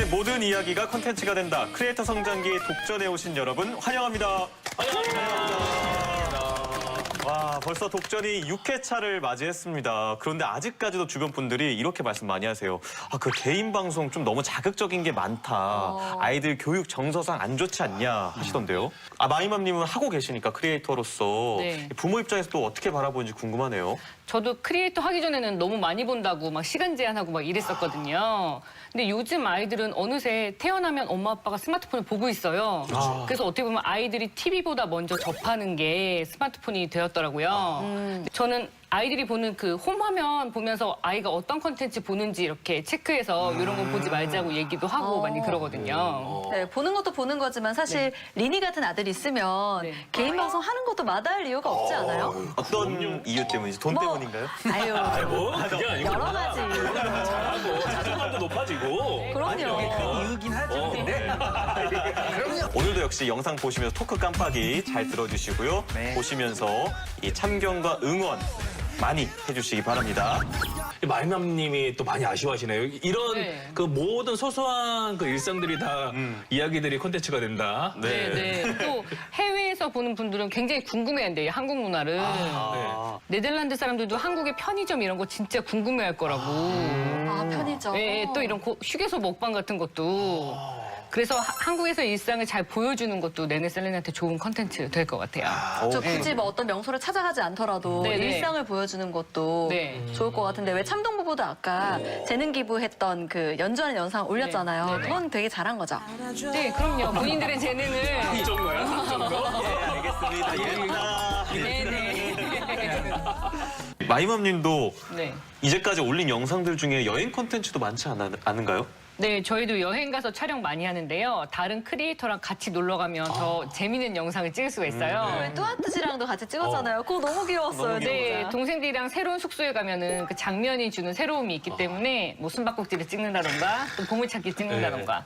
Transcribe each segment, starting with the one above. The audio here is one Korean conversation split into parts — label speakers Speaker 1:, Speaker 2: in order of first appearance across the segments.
Speaker 1: 모든 이야기가 콘텐츠가 된다. 크리에이터 성장기 독전에 오신 여러분 환영합니다. 와, 벌써 독전이 6회차를 맞이했습니다. 그런데 아직까지도 주변 분들이 이렇게 말씀 많이 하세요. 아, 그 개인 방송 좀 너무 자극적인 게 많다. 아이들 교육 정서상 안 좋지 않냐 하시던데요. 아, 마이맘님은 하고 계시니까 크리에이터로서
Speaker 2: 네.
Speaker 1: 부모 입장에서 또 어떻게 바라보는지 궁금하네요.
Speaker 2: 저도 크리에이터 하기 전에는 너무 많이 본다고 막 시간 제한하고 막 이랬었거든요. 근데 요즘 아이들은 어느새 태어나면 엄마 아빠가 스마트폰을 보고 있어요. 그래서 어떻게 보면 아이들이 TV보다 먼저 접하는 게 스마트폰이 되었더라고요. 저는 아이들이 보는 그 홈 화면 보면서 아이가 어떤 콘텐츠 보는지 이렇게 체크해서 이런 거 보지 말자고 얘기도 하고 많이 그러거든요.
Speaker 3: 네, 보는 것도 보는 거지만 사실 리니 같은 아들이 있으면
Speaker 2: 네.
Speaker 3: 개인 방송 하는 것도 마다할 이유가 없지 않아요?
Speaker 1: 어떤 이유 때문인지 돈
Speaker 3: 뭐,
Speaker 1: 때문인가요?
Speaker 3: 아유,
Speaker 4: 뭐 그게 아니고
Speaker 3: 여러 가지.
Speaker 4: 잘하고 자존감도 높아지고
Speaker 3: 그럼요.
Speaker 5: 이유긴 하죠. 근데
Speaker 1: 오늘도 역시 영상 보시면서 토크 깜빡이 잘 들어주시고요.
Speaker 5: 네.
Speaker 1: 보시면서 이 참견과 응원 많이 해주시기 바랍니다.
Speaker 4: 마이맘님이 또 많이 아쉬워하시네요. 이런
Speaker 2: 네.
Speaker 4: 그 모든 소소한 그 일상들이 다 이야기들이 콘텐츠가 된다.
Speaker 2: 네. 또 해외에서 보는 분들은 굉장히 궁금해한대요, 한국 문화를. 네덜란드 사람들도 한국의 편의점 이런 거 진짜 궁금해할 거라고.
Speaker 3: 아, 편의점.
Speaker 2: 네, 또 이런 휴게소 먹방 같은 것도. 그래서 한국에서 일상을 잘 보여주는 것도 네네셀렌한테 좋은 컨텐츠 될 것 같아요.
Speaker 3: 저 굳이 뭐 어떤 명소를 찾아가지 않더라도
Speaker 2: 네네.
Speaker 3: 일상을 보여주는 것도
Speaker 2: 네.
Speaker 3: 좋을 것 같은데 왜 참동부부도 아까 재능 기부했던 그 연주하는 영상 올렸잖아요.
Speaker 2: 네.
Speaker 3: 그건 되게 잘한 거죠.
Speaker 2: 네, 그럼요. 본인들의 재능을.
Speaker 4: 이 정도야? 이 정도?
Speaker 1: 알겠습니다.
Speaker 2: 네네.
Speaker 1: 마이맘님도
Speaker 2: 네.
Speaker 1: 이제까지 올린 영상들 중에 여행 콘텐츠도 많지 않은가요?
Speaker 2: 네, 저희도 여행 가서 촬영 많이 하는데요. 다른 크리에이터랑 같이 놀러 가면 더 재밌는 영상을 찍을 수가 있어요.
Speaker 3: 우리 뚜아뚜지랑도 같이 찍었잖아요. 그거 너무 귀여웠어요.
Speaker 1: 너무
Speaker 2: 네,
Speaker 3: 진짜.
Speaker 2: 동생들이랑 새로운 숙소에 가면은 그 장면이 주는 새로움이 있기 때문에 뭐 숨바꼭질을 찍는다던가 또 보물찾기 찍는다던가.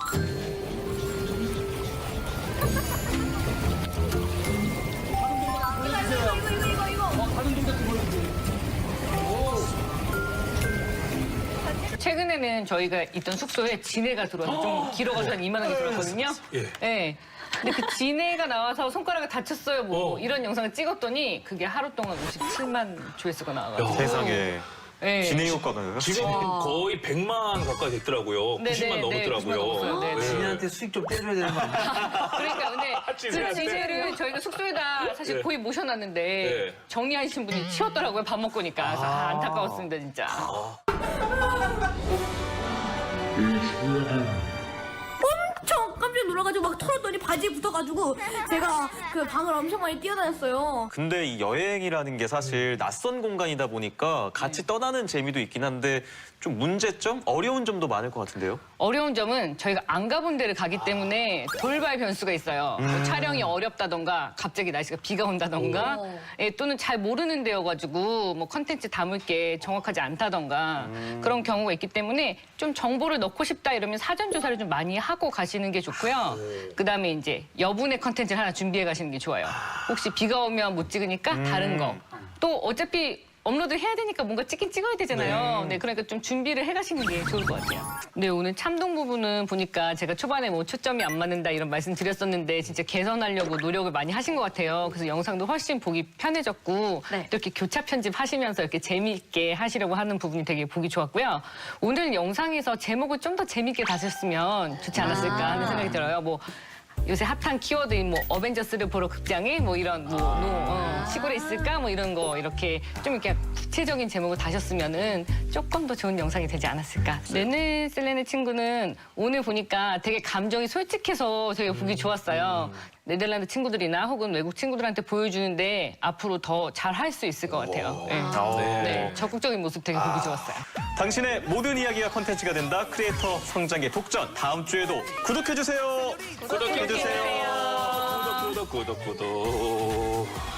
Speaker 2: 최근에는 저희가 있던 숙소에 진해가 들어와서 좀 길어가지고 한 2만 원이 들었거든요.
Speaker 4: 예.
Speaker 2: 네. 근데 그 진해가 나와서 손가락을 다쳤어요. 뭐
Speaker 4: 어.
Speaker 2: 이런 영상을 찍었더니 그게 하루 동안 57만 조회수가 나와가지고.
Speaker 1: 세상에.
Speaker 2: 네.
Speaker 1: 진행 효과가요?
Speaker 4: 지금 거의 100만 가까이 됐더라고요.
Speaker 2: 네,
Speaker 4: 90만
Speaker 2: 네, 네,
Speaker 4: 넘었더라고요.
Speaker 2: 90만 넘었어요. 네, 네.
Speaker 5: 진이한테 수익 좀 떼줘야 되는 거 아니야?
Speaker 2: 그러니까 근데 그
Speaker 4: 진해한테?
Speaker 2: 진해를 저희가 숙소에다 사실
Speaker 4: 네.
Speaker 2: 거의 모셔놨는데
Speaker 4: 네.
Speaker 2: 정리하신 분이 치웠더라고요. 밥 먹고니까. 그래서 안타까웠습니다, 진짜.
Speaker 6: 엄청 깜짝 놀라가지고 막 털었더니 바지에 붙어가지고 제가 그 방을 엄청 많이 뛰어다녔어요.
Speaker 1: 근데 이 여행이라는 게 사실 낯선 공간이다 보니까 같이 떠나는 재미도 있긴 한데 좀 문제점? 어려운 점도 많을 것 같은데요?
Speaker 2: 어려운 점은 저희가 안 가본 데를 가기 때문에 돌발 변수가 있어요. 뭐 촬영이 어렵다던가 갑자기 날씨가 비가 온다던가 예, 또는 잘 모르는 데여가지고 뭐 컨텐츠 담을 게 정확하지 않다던가 그런 경우가 있기 때문에 좀 정보를 넣고 싶다 이러면 사전 조사를 좀 많이 하고 가시는 게 좋고요. 그다음에 이제 여분의 컨텐츠를 하나 준비해 가시는 게 좋아요. 혹시 비가 오면 못 찍으니까 다른 거. 또 어차피 업로드 해야 되니까 뭔가 찍긴 찍어야 되잖아요. 네, 그러니까 좀 준비를 해가시는 게 좋을 것 같아요. 네, 오늘 참동 부분은 보니까 제가 초반에 뭐 초점이 안 맞는다 이런 말씀 드렸었는데 진짜 개선하려고 노력을 많이 하신 것 같아요. 그래서 영상도 훨씬 보기 편해졌고
Speaker 3: 네.
Speaker 2: 또 이렇게 교차 편집하시면서 이렇게 재미있게 하시려고 하는 부분이 되게 보기 좋았고요. 오늘 영상에서 제목을 좀 더 재미있게 다셨으면 좋지 않았을까 하는 생각이 들어요. 뭐 요새 핫한 키워드인 뭐 어벤져스를 보러 극장에 뭐 이런 시골에 있을까 뭐 이런 거 이렇게 좀 이렇게 구체적인 제목을 다셨으면은 조금 더 좋은 영상이 되지 않았을까. 네네셀렌의 친구는 오늘 보니까 되게 감정이 솔직해서 되게 보기 좋았어요. 네덜란드 친구들이나 혹은 외국 친구들한테 보여주는데 앞으로 더 잘 할 수 있을 것 같아요. 네. 네, 적극적인 모습 되게 보기 좋았어요.
Speaker 1: 당신의 모든 이야기가 콘텐츠가 된다. 크리에이터 성장의 독전. 다음 주에도 구독해주세요.
Speaker 4: 구독해주세요. 구독.